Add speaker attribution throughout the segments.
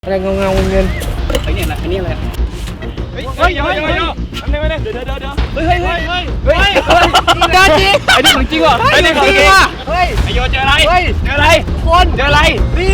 Speaker 1: อะไรเงาเงิน
Speaker 2: ไอ้เนี่ยนะไอ้นี่อะไรเฮ้ยเดี๋ยวทำไงวะเนี่ยเดี๋ยวเฮ้ยเดินจริงไอ้นี่ของจริงว่ะไอ้นี่ของจริงว่ะเฮ้ยไอโยเจออะไรเจออะไรคนเจออะไรนี่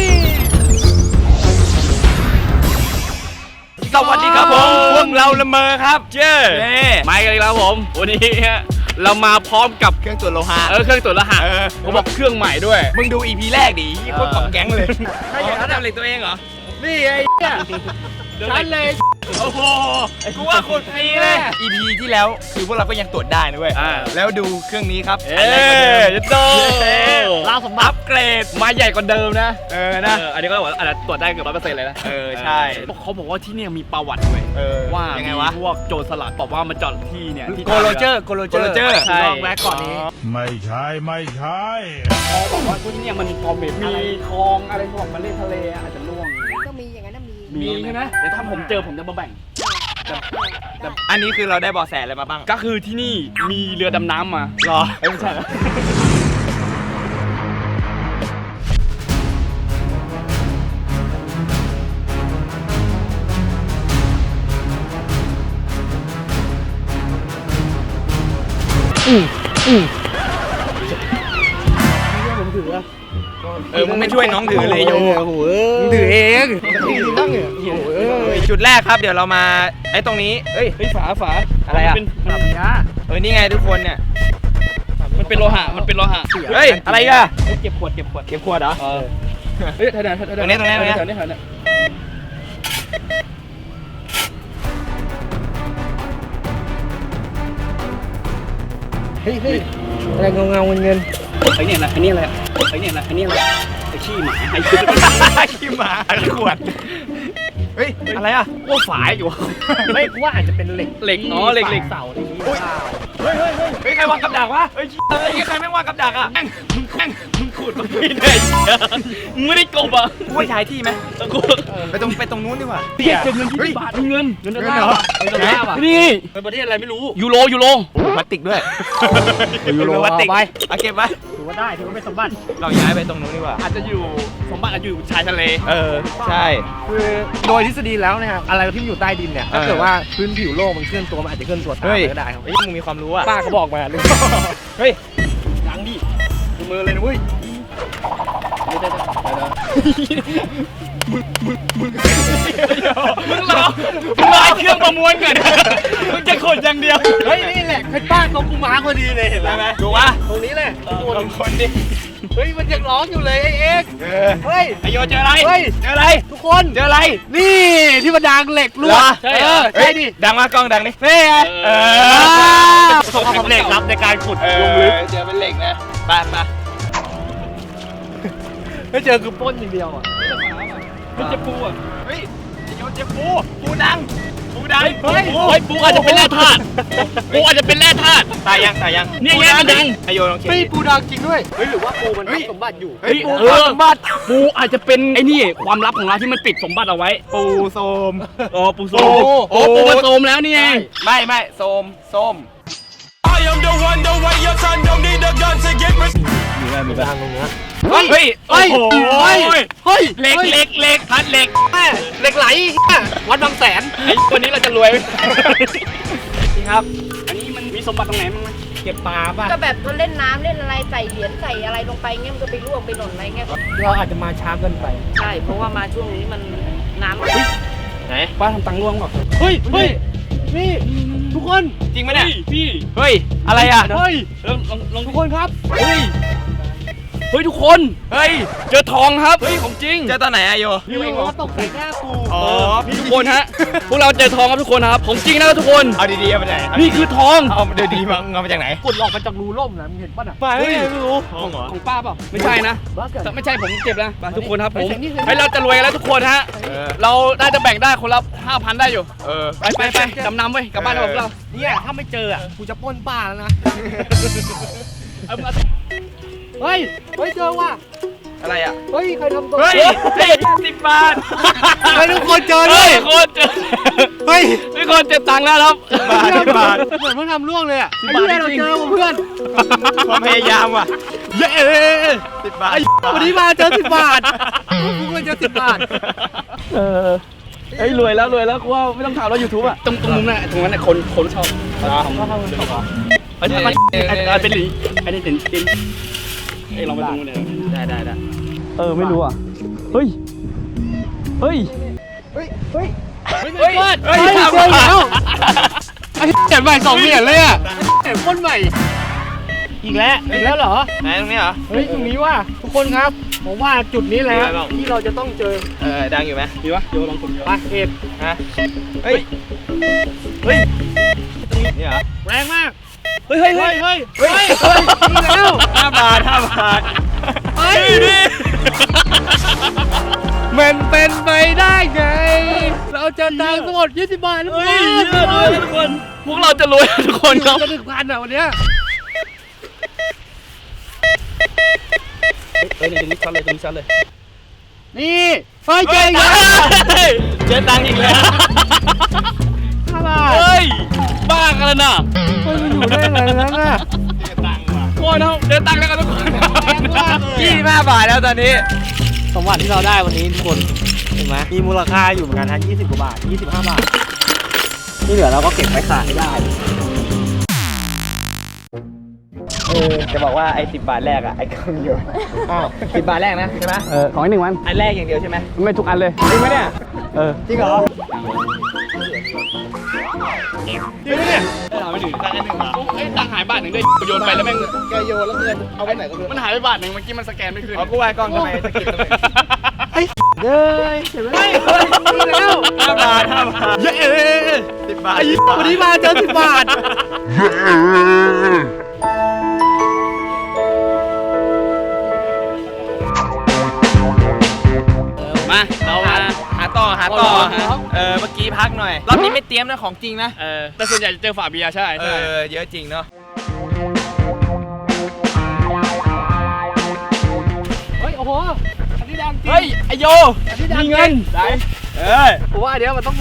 Speaker 2: สวัสดีครับผมพวกเราละเมอครับเจ้มากันอีกแล้วผมวันนี้เรามาพร้อมกับเครื่องตรวจโลหะเครื่องตรวจโลหะเขาบอกเครื่องใหม่ด้วยมึงดู EP แรกดิโคตรกล่องแก๊งเลยไม่ใช่เขาทำเหล็กตัวเองเหรอนี่ไอ้เนี่ยฉันเลยโอ้โหกูว่าโคตรฟรีเลย EP ที่แล้วคือพวกเราก็ยังตรวจได้นะเว้ยแล้วดูเครื่องนี้ครับจะโตล่าสมบัติอัปเกรดมาใหญ่กว่าเดิมนะนะอันนี้ก็บอกอาจจะตรวจได้เกือบ100%เลยนะใช่เขาบอกว่าที่นี่มีประวัติด้วยว่ายังไงวะพวกโจรสลัดบอกว่ามาจอดที่เนี่ยที่โกโรเจอร์ใช่แวะก่อนนี้
Speaker 3: ไม่ใช่
Speaker 2: เขาบอกว่าที่นี่มันมีคลองอะไรบอกมาเล่นทะเลอาจจะล่วง
Speaker 1: ต้องมีอย่างนั้น
Speaker 2: มีใช่ไหมเดี๋ยวถ้าผมเจอผมจะมาแบ่ง
Speaker 4: แต่อันนี้คือเราได้เบาะแสอะไรมาบ้าง
Speaker 2: ก็คือที่นี่มีเรือดำน้ำมา
Speaker 4: หรอ
Speaker 2: ไม่ใช่ผมถือ
Speaker 4: มึงไม่ช่วยน้องถือเลยโย
Speaker 2: มึงถือเอง
Speaker 4: จุดแรกครับเดี๋ยวเรามาไอ้ตรงนี้
Speaker 2: เฮ้ยฝา
Speaker 4: อะไรอ่ะ
Speaker 2: เป็นแบบนี้
Speaker 4: นี่ไงทุกคนเนี่ย
Speaker 2: มันเป็นโลหะ
Speaker 4: เฮ้ยอะไรอ่ะ
Speaker 2: เก็บขวดเหรอเฮ้ย
Speaker 4: ตรงนี้
Speaker 1: เฮ้ยอะไรเงาเงิน
Speaker 2: ไอ้เนี่ยนะไอ้นี่อะไรไอ้ขี้หมาไอ้
Speaker 4: ขี้หมาขวดเฮ้ยอะไรอ่ะ
Speaker 2: ว่าฝายอยู่
Speaker 1: ไม่ว่าอาจจะเป็นเหล็ก
Speaker 2: เหล็ก
Speaker 1: เสาอะไรนี้
Speaker 4: เฮ้ยใครวางกับดักวะเฮ้ยใครไม่วางกับดักอ่ะ
Speaker 2: มึงขูดมันไม่ได้มึงไม่ได้กบอ่ะ
Speaker 4: กูไปถ่ายที่ไหมไปตรงนู้นดีกว่า
Speaker 2: เก็บเงิน20 บาทเงินดอลลาร์นี่เป็นประเทศอะไรไม่รู้ยูโร
Speaker 4: พลาสติกด้วย
Speaker 1: ยูโรพลาสติก
Speaker 4: ไปเก็บไว้
Speaker 1: ถือว่าได้ถือว่าเป็นสมบัติ
Speaker 4: เราย้ายไปตรงนู้นดีกว่า
Speaker 2: อาจจะอยู่สมบัติอาจจะอยู่ชายทะเล
Speaker 4: ใช่
Speaker 1: คือโดยทฤษฎีแล้วนะครับอะไรที่อยู่ใต้ดินเนี่ยถ้าเกิดว่าพื้นผิวโลกมันเคลื่อนตัวมันอาจจะเคลื่อนตัวตามก็ได้ครับ
Speaker 4: มึงมีความรู้อ่ะ
Speaker 1: ป้าเขาบอกมาเลย
Speaker 4: เฮ้ย
Speaker 2: ยังดิมือเลยนะเว้ยมึงรอเครื่องประมวลก่อนมึงจะขนอย่างเดียว
Speaker 1: เฮ้ยนี่แหละคือป้าเขากูมาพอดีเลยเห็นไหม
Speaker 4: ดูวะ
Speaker 1: ตรงนี้แหละ
Speaker 4: คนดิ
Speaker 1: เฮ้ยมันยังร้องอยู่เลยไอ้เอ็กเฮ้ย
Speaker 4: ไอโยเจออะไรเจออะไร
Speaker 1: ทุกคน
Speaker 4: เจออะไร
Speaker 1: นี่ที่มันดังเหล็กรั่ว
Speaker 4: ใช่ดิดังมากกล้องดังนี่
Speaker 1: เฮ้ย
Speaker 4: ประสบความสำเร็จครับในการขุดลงลึกเจอเป็นเหล็กนะไป
Speaker 1: ไม่เจอคือป้นอย่างเดียวอ่ะ
Speaker 2: ไม่เจอปูอ่ะ
Speaker 4: เฮ้ยโยเจอปูดัง
Speaker 2: เฮ้ยปูอาจจะเป็นแร่ธาตุ
Speaker 4: ตายยัง
Speaker 2: เนี่ยมันดัง
Speaker 4: ไอโยลองเช็ค
Speaker 1: ปูดังจริงด้วยเฮ้ยหรือว่าปูมันสมบัติอยู่
Speaker 4: ปูสมบัติ
Speaker 2: ปูอาจจะเป็นไอ้นี่ความลับของเราที่มันปิดสมบัติเอาไว้
Speaker 4: ปูโสม
Speaker 2: ปูโสมปูมันโสมแล้วนี่ไง
Speaker 4: ไม่โสม
Speaker 1: มีดังตรงนี้
Speaker 4: เฮ้ย
Speaker 2: เหล็กพัดเหล็ก
Speaker 1: ไหลวัดบางแสน
Speaker 2: ไอ้คนนี้เราจะรวยนี่ครับอันนี้มันมีสมบัติตรงไหนมั้ง
Speaker 1: เก็บปลาป่ะ
Speaker 5: ก็แบบเล่นน้ำเล่นอะไรใส่เหรียญใส่อะไรลงไปเงี้ยมันก็ไปร่วงไปหล่นอะไรเงี้ย
Speaker 1: เราอาจจะมาช้าเกินไป
Speaker 5: ใช่เพราะว่ามาช่วงนี้มันน้ำ
Speaker 4: ไหน
Speaker 2: ป้าทำตังค์ร่วงก่อน
Speaker 1: เฮ้ยนี่ทุกคน
Speaker 4: จริงไหมเนี่ย
Speaker 2: พี่
Speaker 4: เฮ้ยอะไรอ่ะ
Speaker 1: เฮ้ย
Speaker 2: ลองทุกคนครับเฮ้ยทุกคนเจอทองครับของจริง
Speaker 4: เจอตอนไหนอะโย
Speaker 1: นี่เองว่าตกใส่หน้ากู
Speaker 2: พี่ทุกคนฮะพวกเราเจอทองครับทุกคนครับของจริงนะทุกคน
Speaker 4: เอาดีๆเอาไปไหน
Speaker 2: นี่คือทอง
Speaker 4: เอาดีๆมาจากไหน
Speaker 1: กดหลอกมาจากรูล่มนะมึงเห็นป่ะน่ะ
Speaker 2: ไม่รู้
Speaker 4: ทองเหรอ
Speaker 2: ของป้าเปล่าไม่ใช่นะไม่ใช่ผมเก็บแล้วทุกคนครับผมให้เราจะรวยกันแล้วทุกคนฮะเราน่าจะแบ่งได้คนละ 5,000 ได้อยู่ไปจำนำไว้กลับบ้านกับเรา
Speaker 1: เนี่ยถ้าไม่เจออ่ะกูจะปล้นป้าแล้วนะเฮ้ยเจอว่ะ
Speaker 4: อะไรอ่ะ
Speaker 1: เฮ้ยใครทำตัว
Speaker 4: 10 บาท
Speaker 1: ให้ทุกคนเจอเลย
Speaker 2: คนเจอ
Speaker 1: เฮ้ย
Speaker 2: ทุกคนเจ็บตังค์แล้วครับ
Speaker 1: บาทเหมือนเพิ่งทำล่วงเลยอ่ะไอ้เหี้ยเราเจอเพื่อน
Speaker 4: ความพยายามว่ะ
Speaker 1: เย้
Speaker 4: 10 บาท
Speaker 1: วันนี้มาเจอ10 บาทพวกเราเจอ10 บาท
Speaker 2: เฮ้ยรวยแล้วกูว่าไม่ต้องทำแล้วยูทูบอ่ะตรงมุมนั้นตรงนั้นคนชอบอันนี้เป็นหลีอันนี้เป็นลองไปดูเนี่ยได้ไม่รู้อ่ะเฮ้ยทำแล้ว
Speaker 1: ไอ้เห็นใหม่2 เหรียญเลยอ่ะเห็นคนใหม่อีกแล้วเหรอ
Speaker 4: ไหนตรงนี้เหรอ
Speaker 1: เฮ้ยตรงนี้ว่าทุกคนครับผมว่าจุดนี้แหละที่เราจะต้องเจอ
Speaker 4: ดังอยู่ไหม
Speaker 2: ดีวะโยลองกด
Speaker 1: ไปเอ็ด
Speaker 4: ฮะเฮ้ยนี่เหรอ
Speaker 1: แรงมาก
Speaker 2: เฮ้ย
Speaker 1: นี่แล้ว
Speaker 4: 5 บาท
Speaker 1: เฮ้ยมันเป็นไปได้ไง เราจะตังค์ทั้งหมด20 บาทแล้ว
Speaker 2: เฮ้ยทุกคนพวกเราจะรวยทุกคนครับ
Speaker 1: จะ1,000อ่ะวันเนี้ย
Speaker 2: ตรงนี้ชัดเลย
Speaker 1: นี่เฮ้ยเจ๊ง
Speaker 2: เจ๊ตังค์อีกแล้ว
Speaker 1: 5 บาท
Speaker 2: เฮ้ยบ้ากันแล้วนะ
Speaker 1: มันอยู่ได้ไงนั้นน่ะ
Speaker 2: โอ้ยน้องเจ๊ตังค์แล้วกันทุกคน
Speaker 4: 25 บาทแล้วตอนนี้
Speaker 1: สมบัติที่เราได้วันนี้ทุกคนเห็นไหมมีมูลค่าอยู่เหมือนกันทั้ง20 กว่าบาท 25 บาทที่เหลือเราก็เก็บไว้ขายได้
Speaker 4: จะบอกว่าไอ้10 บาทแรกอะไอ้กองอยู่10 บาทแรกนะใช่ไหม
Speaker 2: ของอีก1 วัน
Speaker 4: อันแรกอย่างเดียวใช่ไหม
Speaker 2: ไม่ทุกอันเลย
Speaker 4: จริงไหมเนี่ย
Speaker 1: จริงเหรอ
Speaker 2: จริงเนี่ยเราไม่ถึงตังค์1 บาทเอ้ยตังค์หาย1 บาทด้วยโยนไปแล้วแม่ง
Speaker 1: แกโยนแล้วเงินเอาไปไหนก็ไม่รู้
Speaker 2: มันหายไป1 บาทเมื่อกี้มันสแกนไม่ขึ้น
Speaker 4: กูว่ากล้องทำไมสกิดทำไม
Speaker 1: เด้ยเห็นไหมนี่แล้ว
Speaker 4: 5 บาท
Speaker 1: เย้
Speaker 4: 10 บาท
Speaker 1: วันนี้มาเจอ10 บาท
Speaker 2: มาเรามา
Speaker 4: หาต่อ
Speaker 2: หา
Speaker 4: เมื่อกี้พักหน่อย รอบนี้ไม่เตรียมนะของจริงนะ
Speaker 2: แต่ส่วนใหญ่จะเจอฝาเบียร์ใช่
Speaker 4: เยอะจริงเนาะ
Speaker 1: เฮ้ยโอ้โหอันนี้ดังจริง
Speaker 2: เฮ้ยไอโย
Speaker 1: อันนี้ดัง
Speaker 2: มีเงิน
Speaker 1: ได้ ผมว่าอันเนี้ยมันต้องมี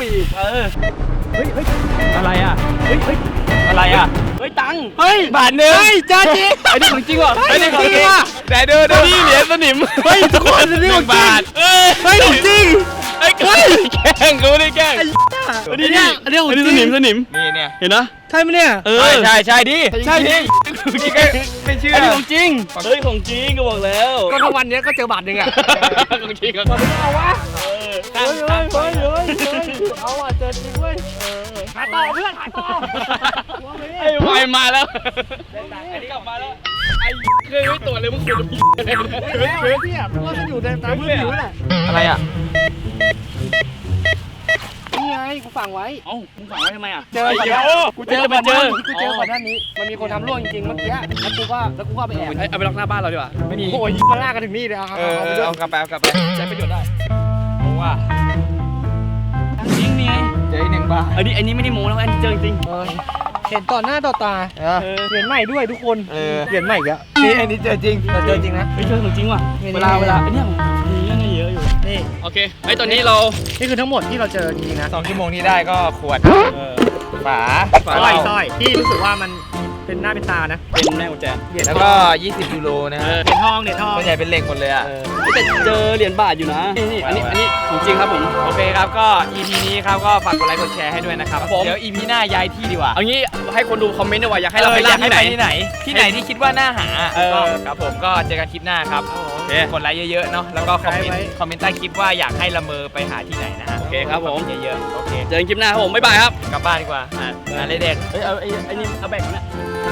Speaker 2: อะไรอ่ะอะไรอ่ะเฮ้ยตังค์
Speaker 1: เฮ้ย
Speaker 2: 1 บาท
Speaker 1: เฮ้ยจ้าจริง
Speaker 2: ไอ้นี่ของจริงว่ะ
Speaker 1: ไอ้นี่ของจริงว่ะ
Speaker 4: แต่ดู
Speaker 2: นี่เหรียญสนิม
Speaker 1: เฮ้ยทุกคนอันนี้ของจริง
Speaker 2: เฮ้ย
Speaker 1: เฮ้ยของจริง
Speaker 2: ไอ้แกล้งกูไม่ได้แกล้ง
Speaker 1: อันนี้อันนี้ของจริง
Speaker 2: สนิม
Speaker 4: นี่เนี่ย
Speaker 2: เห็นนะ
Speaker 1: ใช่ไหมเนี่ย
Speaker 4: ใช่ดิ
Speaker 2: ใช่ดิ
Speaker 4: นี่ก็ไม่เชื่อ
Speaker 2: ไอ้นี่ของจริงเฮ้ยของจริงก็บอกแล้ว
Speaker 1: ก็ทั้งวันเนี้ยก็เจอบาทหนึ่งอ่ะ
Speaker 2: ของจริงก็
Speaker 1: เอาวะ
Speaker 2: ตั้ง
Speaker 1: เอาอ่ะเจอจริงเว้ยหาต่อเพื่อนหาต่อ
Speaker 2: ไอ้วายมาแล้วไอ้นี่กลับมาแล้วไอ้เคยไม่ตรวจเลยมึงตรวจ
Speaker 1: เฮ้ยพี่อ่ะว่ามันอยู่ในตามพื้นผิวแหละ
Speaker 4: อะไรอ่ะ
Speaker 1: นี่ไงกูฝังไว้
Speaker 2: เอ้ามึงฝังไว้ทำไมอ่ะ
Speaker 1: เจอก่อนนะ
Speaker 2: กูเจอมาเจอ
Speaker 1: กูเจอก่อนหน้านี้ มันมีคนทำร่วงจริงๆเมื่อกี้แล้วกูก็เอาไปแอบ
Speaker 2: เอาไปล็อกหน้าบ้านเราดีกว่าไม่มี
Speaker 1: โอ้ยมาลากกันถึงนี่เลยเอาไปด้วย
Speaker 4: เอากลับไป
Speaker 2: ใช้ประโยชน์ได้
Speaker 4: ว่า
Speaker 2: จริงนี่ไง
Speaker 4: เจออีก1 บาท
Speaker 2: อันนี้ไม่ได้โม้แล้วอันนี้เจอจริง
Speaker 1: เห็นต่อหน้าต่อตาเหรียญใหม่ด้วยทุกคน เหรียญใหม่อีกแล้ว
Speaker 4: นี่อันนี้เจอจริง
Speaker 1: เราเจอจริงนะ
Speaker 2: เฮ้ยเจอของจริงว่ะ
Speaker 1: นี่
Speaker 2: เวลาไอ้เนี่ยมีเรื่องเยอะอยู่
Speaker 1: นี่
Speaker 2: โอเคไอ้ตอนนี้เรา
Speaker 1: นี่คือทั้งหมดที่เราเจอจริงๆนะ
Speaker 4: 2 ชั่วโมงที่ได้ก็ขวดฝา
Speaker 1: สร้อยที่รู้สึกว่ามันเป็นหน้าเป็นตานะ
Speaker 2: เป็นแม่กุญแจ
Speaker 4: แล้วก็20 ยูโรนะฮะ
Speaker 1: เหรียญทอง
Speaker 4: ส่วนใหญ่เป็นเหล็กหมดเลยอ่ะ
Speaker 2: แต่เจอเหรียญบาทอยู่นะนี่อันนี้ของจริงครับผม
Speaker 4: โอเคครับก็ EP นี้ครับก็ฝากกดไลค์กดแชร์ให้ด้วยนะครับ
Speaker 2: ครับผม
Speaker 4: เดี๋ยว EP หน้าย้ายที่ดีกว่า
Speaker 2: เอางี้ให้คนดูคอมเมนต์ด้วยว่าอยากให้เราไป
Speaker 4: อยากให้
Speaker 2: ที่ไห
Speaker 4: ไป
Speaker 2: น
Speaker 4: ที่ไหนที่คิดว่าน่าหา
Speaker 2: ก็
Speaker 4: ครับผมก็เจอกันคลิปหน้าครับกดไลค์เยอะๆเนาะแล้วก็คอมเมนต์ใต้คลิปว่าอยากให้ละเมอไปหาที่ไหนนะฮะ
Speaker 2: โอเคครับผม
Speaker 4: เยอะๆโอเค
Speaker 2: เจอกันคลิปหน้าครับผมบ๊ายบายครับ
Speaker 4: กลับบ้านดีกว่าอะไรเด็ก
Speaker 2: เฮ้ยเอาไอ้นี่เอาแบกนะ